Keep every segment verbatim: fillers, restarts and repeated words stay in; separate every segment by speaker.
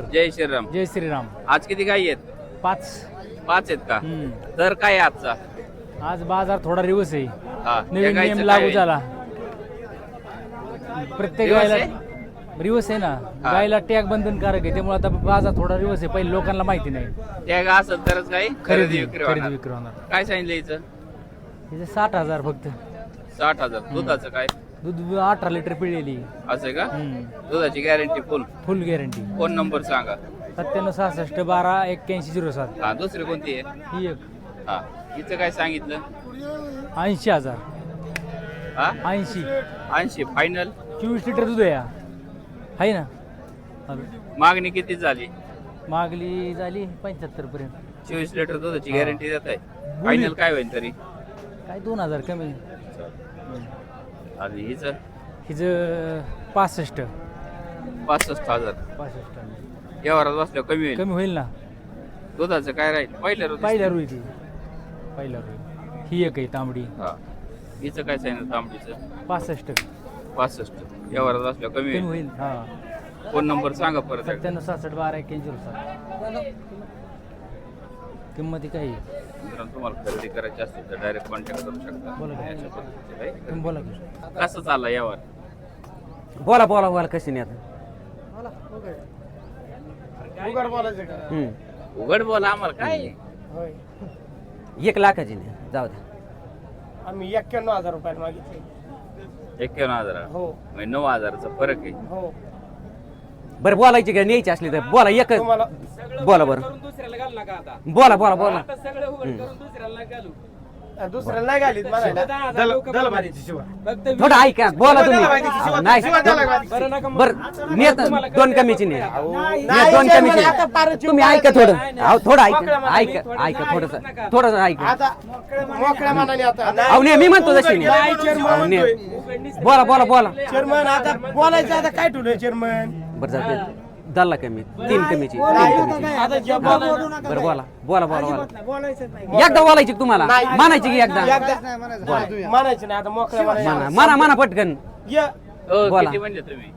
Speaker 1: जय श्रीराम.
Speaker 2: जय श्रीराम.
Speaker 1: आज किती गाई आहेत?
Speaker 2: पाच.
Speaker 1: पाच आहेत का?
Speaker 2: हम्म.
Speaker 1: तर काय आहे आजचा?
Speaker 2: आज बाजार थोडा रिवर्स आहे.
Speaker 1: हा,
Speaker 2: नवीन
Speaker 1: या गाईचं
Speaker 2: नियम
Speaker 1: काय
Speaker 2: लागू
Speaker 1: आहे?
Speaker 2: झाला. प्रत्येक
Speaker 1: रिवर्स
Speaker 2: गायला
Speaker 1: आहे?
Speaker 2: रिवर्स आहे ना.
Speaker 1: हा.
Speaker 2: गायला टॅग बंधनकारक आहे, त्यामुळे आता बाजार थोडा रिवर्स आहे. पहिले लोकांना माहिती नाही.
Speaker 1: त्या गा असेल तरच काही
Speaker 2: खरेदी
Speaker 1: विक्री
Speaker 2: खरेदी
Speaker 1: होणार.
Speaker 2: विक्री होणार.
Speaker 1: काय सांगितलं हिचं?
Speaker 2: हिचे साठ हजार फक्त.
Speaker 1: साठ हजार. दुधाचं काय?
Speaker 2: दूध अठरा लिटर पिळलेली.
Speaker 1: असं आहे का?
Speaker 2: हम्म.
Speaker 1: दुधाची guarantee full.
Speaker 2: Full guarantee.
Speaker 1: Phone number सांगा.
Speaker 2: सत्त्याण्णव सहासष्ट बारा एक्क्याऐंशी झिरो सात.
Speaker 1: हा, दुसरी कोणती आहे?
Speaker 2: ही एक
Speaker 1: हा, हिचं काय सांगितलं?
Speaker 2: ऐंशी हजार.
Speaker 1: हा,
Speaker 2: ऐंशी.
Speaker 1: ऐंशी फायनल.
Speaker 2: चोवीस लिटर दूध आहे. आहे ना. हॅलो.
Speaker 1: मागणी किती झाली?
Speaker 2: मागली झाली पंच्याहत्तर पर्यंत.
Speaker 1: चोवीस लिटर दुधाची
Speaker 2: हा.
Speaker 1: गॅरंटी देत आहे. फायनल काय होईल तरी?
Speaker 2: काय दोन हजार कमी.
Speaker 1: आणि हिचं
Speaker 2: हिचं पासष्ट.
Speaker 1: पासष्ट हजार.
Speaker 2: पासष्ट
Speaker 1: व्यवहारात बसल्यावर कमी होईल.
Speaker 2: कमी होईल ना.
Speaker 1: दुधाचं काय राहील? पहिल्या रोज
Speaker 2: पहिल्या रुई ती. पहिल्या रुई. ही एक आहे तांबडी.
Speaker 1: हा, हिचं काय सांगितलं तांबडीचं?
Speaker 2: पासष्ट.
Speaker 1: पासष्ट. व्यवहारात बसल्यावर कमी
Speaker 2: कमी
Speaker 1: होईल.
Speaker 2: होईल. हा.
Speaker 1: फोन नंबर सांगा परत एकदा.
Speaker 2: सत्त्याण्णव सहासष्ट बारा एक्क्याऐंशी सात. किंमती काही.
Speaker 1: मित्रांनो, तुम्हाला खरेदी करायची असेल तर डायरेक्ट कॉन्टॅक्ट करू शकता.
Speaker 2: बोला की.
Speaker 1: अशा पद्धतीचे काही.
Speaker 2: तुम्ही बोला की.
Speaker 1: कसं चाललं यावर?
Speaker 3: बोला बोला बोला कशी नाही आता. हम्म.
Speaker 1: उघड बोला आम्हाला काय.
Speaker 3: एक लाखाची नाही जाऊ द्या.
Speaker 4: आम्ही एक्क्याण्णव हजार रुपयाला मागितले.
Speaker 1: एक्क्याण्णव हजार.
Speaker 4: हो
Speaker 1: म्हणजे नऊ हजाराचा फरक आहे.
Speaker 4: हो.
Speaker 3: बरं बोलायची का न्यायची असली तर बोला एक
Speaker 4: तुम्हाला
Speaker 3: बोला बरं बोला बोला बोला
Speaker 4: दुसऱ्याला नाही घालीत म्हणायला.
Speaker 3: थोडं ऐका बोला तुम्ही अहो, नाही बरं नेत दोन कमीची नाही नेत दोन कमीची नाही. तुम्ही ऐका थोडं अहो थोडं ऐका ऐका ऐका थोडस थोडं ऐका
Speaker 4: आता मोकळ्या मनाने आता
Speaker 3: अहो नाही मी म्हणतो तशी नाही अहो, नाही. बोला बोला बोला
Speaker 4: चेअरमन आता बोलायचं आता काय ठेवलंय चेअरमन?
Speaker 3: बरं जाऊ दाला कमी तीन कमीची तीन कमीची
Speaker 4: आता जे बोलायचं
Speaker 3: बरं बोला बोला बोला बोला
Speaker 4: बोलायचं नाही.
Speaker 3: एकदा बोलायची का तुम्हाला
Speaker 4: नाही.
Speaker 3: म्हणायची की एकदा
Speaker 4: एकदा म्हणायचं नाही आता मोकळ्या
Speaker 3: म्हणा
Speaker 4: मनाने
Speaker 3: म्हणा म्हणा पटकन
Speaker 4: ये.
Speaker 1: हो,
Speaker 3: बोला.
Speaker 1: किती म्हणले तुम्ही?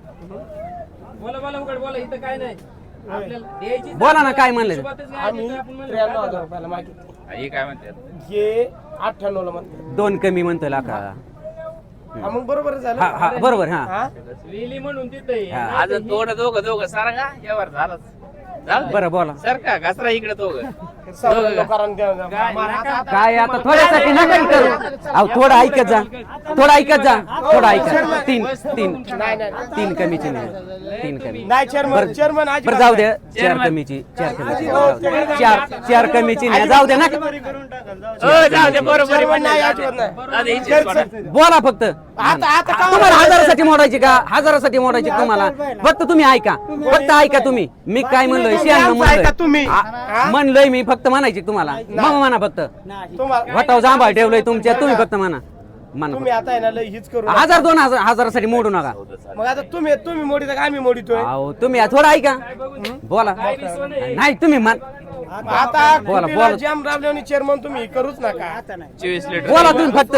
Speaker 3: बोला ना काय म्हणलं
Speaker 4: आम्ही त्र्याण्णव हजार रुपयाला मागितले.
Speaker 1: हा, हे काय म्हणतात?
Speaker 4: हे अठ्ठ्याण्णव ला म्हणते.
Speaker 3: दोन कमी म्हणतो लाका
Speaker 4: हा, मग बरोबर झालं.
Speaker 3: हा हा बरोबर हा
Speaker 4: हा?
Speaker 3: हा.
Speaker 1: आज थोडं दोघं दोघं सारखा यावर झालंच. झालं ते.
Speaker 3: बरं बोला
Speaker 1: सारखा घसरा इकडे दोघं.
Speaker 4: सवय लोकांना द्या.
Speaker 3: काय आता थोड्यासाठी नका हे करू अहो थोडं ऐकत जा थोडं ऐकत जा थोडं ऐका तीन तीन
Speaker 4: नाही नाही
Speaker 3: तीन कमीची नाही तीन कमी
Speaker 4: नाही चेअरमन चेअरमन आज
Speaker 3: बरं जाऊ द्या चार कमीची चार कमीची जाऊ द्या. चार चार कमीची नाही जाऊ द्या ना
Speaker 1: हो, जाऊ दे, बरोबर आहे,
Speaker 4: चेअरमन नाही
Speaker 1: म्हणजे
Speaker 4: अजिबात नाही.
Speaker 1: जाऊ दे, हिचीच सोडा.
Speaker 3: बोला फक्त
Speaker 4: आता आता का
Speaker 3: तुम्हाला हजारासाठी मोडायची का हजारासाठी मोडायची का तुम्हाला फक्त तुम्ही ऐका फक्त ऐका तुम्ही मी काय म्हणलोय शहाण्णव
Speaker 4: ऐका तुम्ही.
Speaker 3: म्हणलोय आ- म्हणलोय मी फक्त म्हणायची तुम्हाला मग म्हणा फक्त
Speaker 4: तुम्हाला
Speaker 3: वटाव जांभा ठेवलंय तुमच्या तुम्ही फक्त म्हणा म्हणा
Speaker 4: तुम्ही आता आहे ना लय हीच करू
Speaker 3: फक्त. हजार दोन हजार हजारासाठी मोडू नका
Speaker 4: मग आता तुम्ही तुम्ही मोडीता का आम्ही मोडीतोय?
Speaker 3: अहो तुम्ही थोडं ऐका बोला नाही तुम्ही म्हण
Speaker 4: आता
Speaker 3: बोला,
Speaker 4: कुठेला
Speaker 3: बोला.
Speaker 4: जाम राबल्याने चेअरमन तुम्ही करूच नका.
Speaker 1: चोवीस लिटर.
Speaker 3: बोला तुम्ही फक्त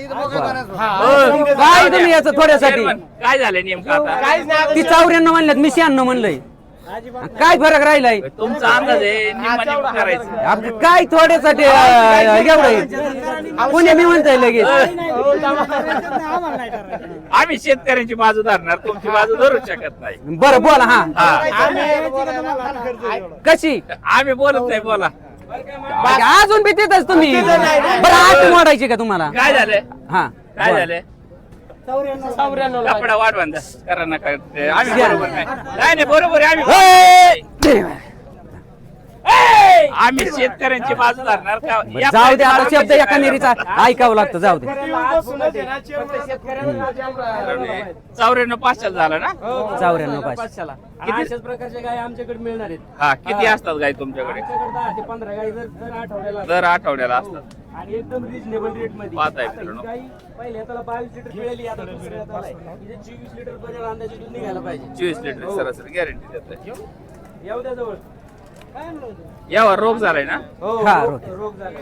Speaker 3: काय तुम्ही याचं थोड्यासाठी
Speaker 1: चेअरमन, काय झालं नेमकं आता?
Speaker 4: काहीच नाही आता
Speaker 3: ती चौऱ्याण्णव म्हणल्यात मी शहाण्णव म्हणलंय काय फरक राहिलाय
Speaker 1: तुमचा अंदाज आहे निम्मा निम्मा करायचं.
Speaker 3: आपलं काय थोड्यासाठी अं, एवढं पुणे मी म्हणतोय लगेच
Speaker 1: आम्ही शेतकऱ्यांची बाजू धरणार, तुमची बाजू धरू शकत नाही.
Speaker 3: बरं बोला हा
Speaker 1: हा,
Speaker 4: आम्ही
Speaker 3: कशी
Speaker 1: आम्ही बोलत नाही. बोला,
Speaker 3: अजून बी तिथंच तुम्ही बरं आठ मोडायची का तुम्हाला
Speaker 1: काय झालं?
Speaker 3: हा
Speaker 1: काय
Speaker 3: बोला.
Speaker 1: झालं?
Speaker 4: चौऱ्याण्णव ला
Speaker 1: कपडा वाढवान द्या. करा नका ते आम्ही बरोबर नाही. नाही नाही, बरोबर आहे आम्ही.
Speaker 3: ए!
Speaker 1: आम्ही शेतकऱ्यांची बाजू धरणार का?
Speaker 3: बरं, जाऊ दे आता शब्द एका नेरीचा ऐकावं लागतं जाऊ दे
Speaker 1: चौऱ्याण्णव पाचशे झालं ना?
Speaker 3: चौऱ्याण्णव पाचशे
Speaker 1: किती
Speaker 2: अशाच प्रकारच्या गाय आमच्याकडे मिळणार आहेत.
Speaker 1: हा, किती असतात गाय तुमच्याकडे?
Speaker 2: आमच्याकडे दहा ते पंधरा गाई जर दर आठवड्याला
Speaker 1: दर आठवड्याला असतात.
Speaker 2: आणि एकदम रिजनेबल रेट मध्ये.
Speaker 1: पाहत आहे
Speaker 2: आता ही
Speaker 1: मित्रांनो.
Speaker 2: गाई पहिल्या त्याला बावीस लिटर पिळेली, आता दुसऱ्या हाताला आहे. हिचे चोवीस लिटर पर्यंत अंदाजे दूध निघायला पाहिजे.
Speaker 1: चोवीस लिटर सरासरी गॅरंटी देत.
Speaker 2: येऊ द्या जवळ.
Speaker 1: यावर रोग झालाय ना?
Speaker 3: हा रोग
Speaker 2: रोग झाला.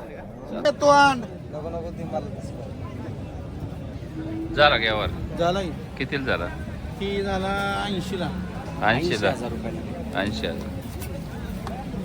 Speaker 1: झाला का यावर?
Speaker 5: झाला
Speaker 1: कितीला झाला?
Speaker 5: की झाला ऐंशी ला
Speaker 1: ऐंशी ला. ऐंशी हजार.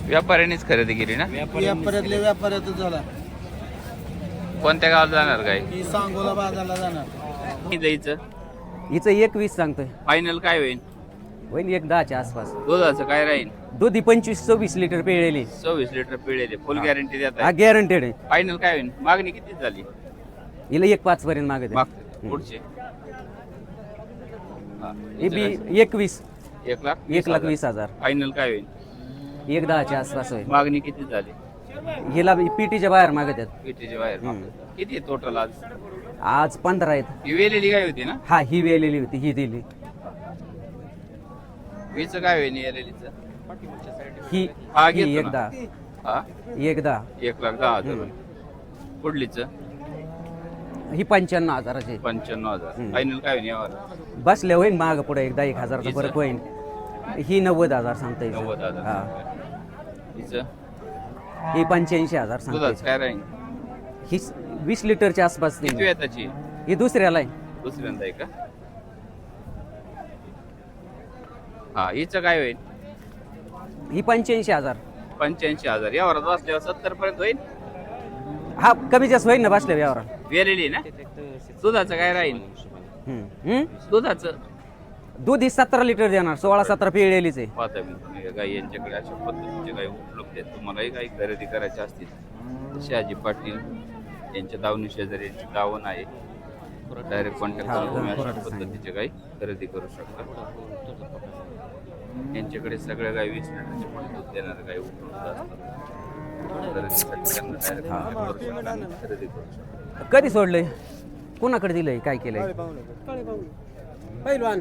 Speaker 1: व्यापाऱ्यांनीच खरेदी केली ना?
Speaker 5: व्यापाऱ्यातल्या व्यापाऱ्यातच झाला.
Speaker 1: कोणत्या गावाला जाणार गाय?
Speaker 5: ही सांगोला बाजारला जाणार.
Speaker 1: किती जायचं?
Speaker 3: हिचं एक वीस सांगतोय.
Speaker 1: फायनल काय होईल?
Speaker 3: होईल एक दहाच्या आसपास.
Speaker 1: दुधाचं काय राहील?
Speaker 3: दुधी पंचवीस सव्वीस लिटर पिळेली.
Speaker 1: सव्वीस लिटर पिळेले. फुल गॅरंटी देत
Speaker 3: हा
Speaker 1: आहे.
Speaker 3: गॅरंटेड आहे.
Speaker 1: फायनल काय होईल? मागणी किती झाली?
Speaker 3: हिला एक पाच पर्यंत मागत
Speaker 1: मागते पुढचे हा.
Speaker 3: हे बी एकवीस
Speaker 1: एक लाख
Speaker 3: एक लाख वीस हजार.
Speaker 1: फायनल काय होईल?
Speaker 3: एक दहाच्या आसपास होईल.
Speaker 1: मागणी किती झाली?
Speaker 3: हिला पीटीच्या बाहेर मागत आहेत.
Speaker 1: कितीचे बाहेर
Speaker 3: हम्म.
Speaker 1: मागतात? किती टोटल आज?
Speaker 3: आज पंधरा आहेत.
Speaker 1: ही वेलेली काय होती ना?
Speaker 3: हा ही वेलेली होती ही दिली.
Speaker 1: वीच काय होईल वेलेलीचं?
Speaker 3: ही
Speaker 1: हा
Speaker 3: ही
Speaker 1: घेतो
Speaker 3: एक
Speaker 1: ना.
Speaker 3: दहा
Speaker 1: हा
Speaker 3: एक दहा.
Speaker 1: एक लाख दहा हजार होईल. पुढलीच
Speaker 3: ही पंच्याण्णव हजाराची.
Speaker 1: पंच्याण्णव हजार.
Speaker 3: हम्म.
Speaker 1: फायनल काय होईल यावर?
Speaker 3: बसल्या होईल माग पुढे एकदा एक हजारचा
Speaker 1: हिचं?
Speaker 3: फरक होईल. ही नव्वद हजार सांगता येईल.
Speaker 1: नव्वद हजार.
Speaker 3: हा
Speaker 1: हिचं
Speaker 3: ही पंच्याऐंशी हजार सांगता
Speaker 1: दुधाच काय राहील?
Speaker 3: येईल. ही वीस लिटरच्या आसपास
Speaker 1: किती
Speaker 3: देईल.
Speaker 1: वेळ त्याची?
Speaker 3: ही दुसऱ्याला आहे.
Speaker 1: दुसऱ्यांदा आहे का? हा हिचं काय होईल?
Speaker 3: ही पंच्याऐंशी हजार.
Speaker 1: पंच्याऐंशी हजार. यावर बसल्यावर सत्तर पर्यंत होईल.
Speaker 3: हा कमी जास्त होईल ना बसल्या व्यवहार.
Speaker 1: वेलेली ना? दुधाचं काय राहील? दुधाचं
Speaker 3: दूध ही सतरा लिटर देणार. सोळा सतरा पिळलेलीच आहे.
Speaker 1: पाहता मी गाई यांच्याकडे अशा पद्धतीचे गाई उपलब्ध आहेत. तुम्हालाही काही खरेदी करायची असतील तर शहाजी पाटील यांच्या दावणी शेजारी यांची दावण आहे. डायरेक्ट कॉन्टॅक्ट करून तुम्ही अशा पद्धतीचे गाई खरेदी करू शकता. यांच्याकडे सगळ्या गाई वीस लिटरचे पण दूध देणारे गाई उपलब्ध असतात. खरेदीसाठी त्यांना direct contact करू शकता आणि खरेदी करू शकता.
Speaker 3: कधी सोडलंय कोणाकडे दिलंय काय केलंय?
Speaker 4: पहिलवान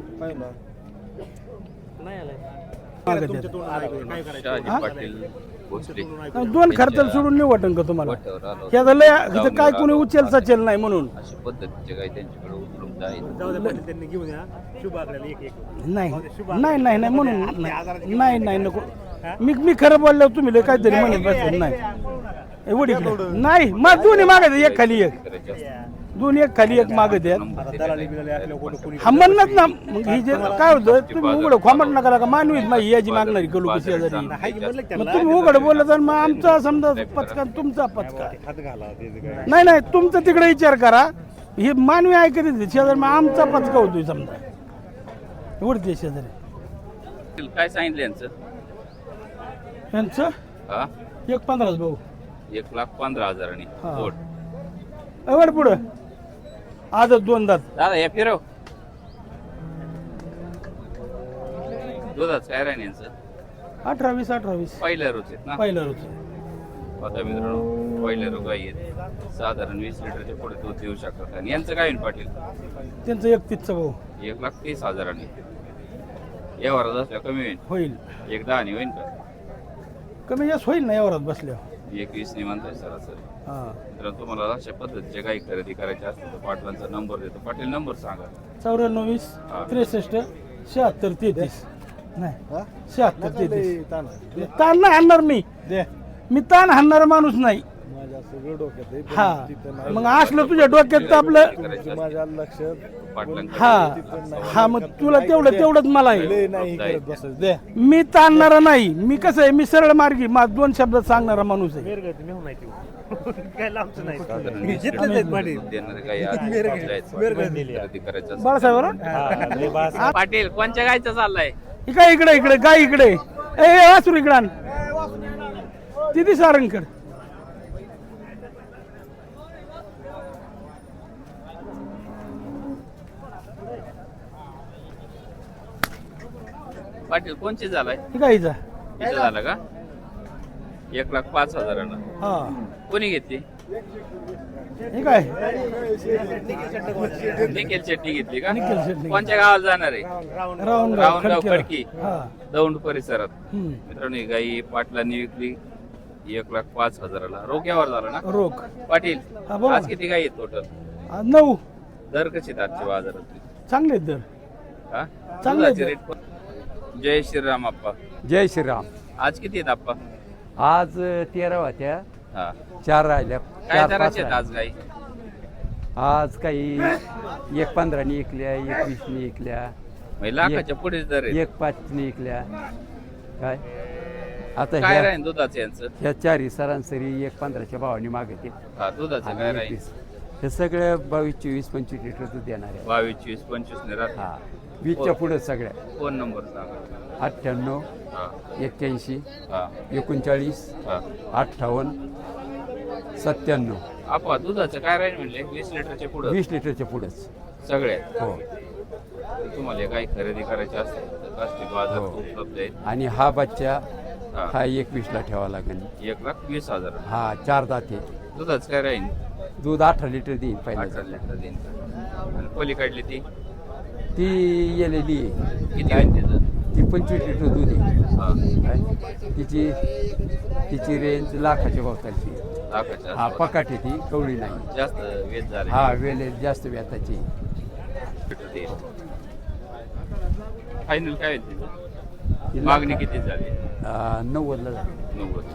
Speaker 1: शहाजी पाटील भोसले
Speaker 6: दोन खर्चाला सोडून नाही वाटन का तुम्हाला?
Speaker 1: वाट्यावर आलो.
Speaker 6: हे झालं इथं काय कोणी उचल सचेल नाही म्हणून.
Speaker 1: अशा पद्धतीचे गाई त्यांच्याकडे उपलब्ध आहेत.
Speaker 6: नाही नाही नाही नाही म्हणून नाही नाही नाही नको. मी मी खरं बोलल्यावर तुम्ही लय काहीतरी म्हणत बसले. नाही एवढी नाही मग दोन्ही मागत एक खाली एक.
Speaker 1: करायचे असतील
Speaker 6: दोन्ही एक खाली एक मागत आहेत.
Speaker 1: नंबर देतात.
Speaker 6: हा म्हणत ना मग ही जे काय होतं तुम्ही उघड खोमट नका का मानवीच माझी याची मागणारी कलू कशी शेजारी. मग तुम्ही उघड बोलला तर मग आमचा समजा पचका तुमचा पचका. नाही नाही तुमचा तिकडे विचार करा. हे मानवी ऐकत येते शेजारी मग आमचा पचका होतोय समजा एवढते शेजारी.
Speaker 1: काय सांगितलं यांचं?
Speaker 6: यांचं
Speaker 1: हा
Speaker 6: एक पंधराच भाऊ.
Speaker 1: एक लाख पंधरा हजारांनी
Speaker 6: हा.
Speaker 1: जोड.
Speaker 6: एवढ पुढं आजच दोन दात.
Speaker 1: दादा या फिरव. दुधाच काय राहील यांचं?
Speaker 6: अठरा वीस अठरा वीस
Speaker 1: पहिल्या रोज आहेत ना?
Speaker 6: पहिलं रोज.
Speaker 1: आता मित्रांनो पहिल्या रोग गाई आहेत. साधारण वीस लिटरच्या पुढे दूध देऊ शकतात. आणि यांचं काय होईल पाटील?
Speaker 6: त्यांचं एक तीसचा भाऊ
Speaker 1: एक लाख तीस हजारांनी. या वरात असल्या कमी होईल.
Speaker 6: होईल.
Speaker 1: एक दहानी होईल का?
Speaker 6: कमी जास्त होईल ना एवढाच बसल्यावर.
Speaker 1: एक वीस नि म्हणताय सरासरी.
Speaker 6: हा
Speaker 1: मित्रांनो तुम्हाला अशा पद्धतीच्या गाई खरेदी करायच्या असतील तर पाटलांचा नंबर देतो. पाटील नंबर सांगा.
Speaker 6: चौऱ्याण्णव वीस त्रेसष्ट शहात्तर तेहतीस. नाही शहात्तर तेहतीस. ताण नाही हाणणार मी. मी ताण हाणणारा माणूस नाही. हा मग असलं तुझ्या डोक्यात तर आपलं
Speaker 1: पाटलांकडे
Speaker 6: हा हा मग तुला तेवढं तेवढंच मला आहे.
Speaker 1: आहे.
Speaker 6: मी ताणणारा नाही. मी कसं आहे मी सरळ मार्गी मा दोन शब्दात सांगणारा माणूस आहे.
Speaker 1: साधारण वीस लिटर दूध देणारे गाई आज खरेदी करायच्या असतील.
Speaker 6: बाळासाहेब
Speaker 1: पाटील कोणत्या गायचं चाललाय?
Speaker 6: इकडे इकडे इकडे गाय इकडे ए वासरू इकडे आण. तिथे सारंगकड.
Speaker 1: पाटील कोणची झालाय?
Speaker 6: गाईचा
Speaker 1: इथं झालं का? एक लाख पाच हजारानं.
Speaker 6: हा
Speaker 1: कोणी घेतली?
Speaker 6: हे काय
Speaker 1: निखिल शेट्टी घेतली का?
Speaker 6: निखिल शेट्टी.
Speaker 1: कोणत्या गावाला जाणार आहे?
Speaker 6: राऊंड
Speaker 1: राऊंडगाव खडकी
Speaker 6: हा
Speaker 1: दौंड परिसरात.
Speaker 6: हम्म.
Speaker 1: मित्रांनो ही गाई पाटलांनी विकली एक लाख पाच हजाराला. रोग्यावर झाला ना
Speaker 6: रोख
Speaker 1: पाटील?
Speaker 6: हा, बोला
Speaker 1: आज
Speaker 6: ना.
Speaker 1: किती गाई आहेत टोटल?
Speaker 6: आ, नऊ
Speaker 1: दर कशी आहेत आजच्या बाजारात?
Speaker 6: चांगले आहेत दर.
Speaker 1: हा?
Speaker 6: चांगले आहेत
Speaker 1: दुधाचे
Speaker 6: दर.
Speaker 1: रेट पण- जय श्रीराम आप्पा.
Speaker 7: जय श्रीराम.
Speaker 1: आज किती आहेत आप्पा?
Speaker 7: आज तेरा होत्या,
Speaker 1: हा
Speaker 7: चार राहिल्या.
Speaker 1: काय
Speaker 7: चार पाच
Speaker 1: दराचे आहेत
Speaker 7: राहिल्या.
Speaker 1: आज गाई?
Speaker 7: आज काही एक पंधरानी इकल्या, एक वीसनी इकल्या,
Speaker 1: म्हणजे लाखाच्या पुढेच दर आहेत.
Speaker 7: एक पाचनी इकल्या. काय आता
Speaker 1: काय
Speaker 7: ह्या
Speaker 1: राहील दुधाचं यांचं?
Speaker 7: ह्या चारी सरासरी एक पंधराच्या भावाने मागते
Speaker 1: हा दुधाचं काय राहील?
Speaker 7: हे सगळ्या बावीस चोवीस पंचवीस लिटर दूध देणार आहे.
Speaker 1: बावीस चोवीस पंचवीस ने राहते.
Speaker 7: हा वीसच्या पुढे सगळ्या.
Speaker 1: फोन नंबर सांगा.
Speaker 7: अठ्ठ्याण्णव
Speaker 1: हा
Speaker 7: एक्क्याऐंशी
Speaker 1: हा
Speaker 7: एकोणचाळीस
Speaker 1: हा.
Speaker 7: अठ्ठावन्न सत्त्याण्णव.
Speaker 1: आपा दुधाचं काय राहील म्हणले? वीस लिटरच्या पुढे
Speaker 7: वीस लिटरच्या पुढेच.
Speaker 1: सगळ्यात.
Speaker 7: हो
Speaker 1: तुम्हाला काही खरेदी करायची असेल तर काष्टी बाजार
Speaker 7: हो.
Speaker 1: उपलब्ध आहेत.
Speaker 7: आणि हा बच्चा
Speaker 1: हा.
Speaker 7: हा एकवीसला ठेवा लागेल.
Speaker 1: एक लाख वीस हजार.
Speaker 7: हा चार दाते.
Speaker 1: दुधाचं काय राहील?
Speaker 7: दूध अठरा लिटर देईन
Speaker 1: अठरा
Speaker 7: पहिल्या.
Speaker 1: लिटर देईन. आणि पलीकडली ती
Speaker 7: ती गेलेली आहे.
Speaker 1: किती आहे तिचं?
Speaker 7: ती पंचवीस लिटर दूध आहे.
Speaker 1: हा
Speaker 7: काय? तिची तिची रेंज लाखाच्या भोवतालची.
Speaker 1: लाखाच्या
Speaker 7: हा
Speaker 1: आसपास.
Speaker 7: पकाटी ती कवळी नाही.
Speaker 1: जास्त वेद झाले.
Speaker 7: हा वेले जास्त व्याताची.
Speaker 1: फायनल काय होईल तिचं? मागणी किती झाली?
Speaker 7: अं, नव्वदला झाली.
Speaker 1: नव्वद.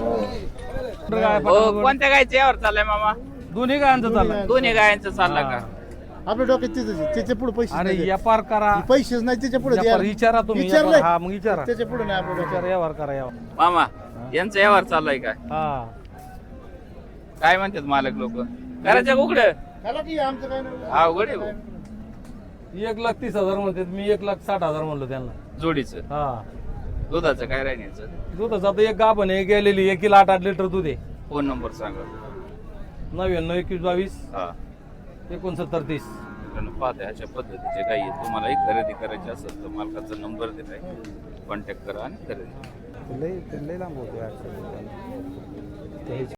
Speaker 1: हो, कोणत्या गायचं यावर चाललंय मामा?
Speaker 6: दोन्ही गायांचं चाललंय.
Speaker 1: दोन्ही गायांचं चाललं का?
Speaker 5: आपल्या डोक्यात तिथं त्याच्या पुढे पैसे
Speaker 6: अरे
Speaker 5: नाही.
Speaker 6: व्यापार करा.
Speaker 5: पैसेच नाही त्याच्या पुढे
Speaker 6: व्यापार विचारा तुम्ही.
Speaker 5: विचारलंय.
Speaker 6: व्यापार, हा मग विचारा.
Speaker 5: त्याच्या पुढे नाही आपल्या डोक्यात.
Speaker 6: विचारा व्यवहार करा यावर.
Speaker 1: मामा यांचं यावर चाललंय काय?
Speaker 6: हा
Speaker 1: काय म्हणतात मालक लोक? करायचं उघड
Speaker 5: खाला की आमचं काय नाही.
Speaker 1: हा उघड आहे भाऊ.
Speaker 6: एक लाख तीस हजार म्हणतात, मी एक लाख साठ हजार म्हणलो त्यांना.
Speaker 1: जोडीचं.
Speaker 6: हा
Speaker 1: दुधाचं काय राहण्याचं?
Speaker 6: दुधाचं आता एक गाभण आहे गेलेली, एक किलो आठ आठ लिटर दूध आहे.
Speaker 1: फोन नंबर सांगा.
Speaker 6: नव्याण्णव एकवीस बावीस
Speaker 1: हा
Speaker 6: एकोणसत्तर तीस.
Speaker 1: मित्रांनो, पाहता ह्याच्या पद्धतीचे काही आहेत. तुम्हालाही खरेदी करायची असेल तर मालकाचा नंबर दिलाय, कॉन्टॅक्ट करा आणि खरेदी.
Speaker 6: लय लय लांब होतो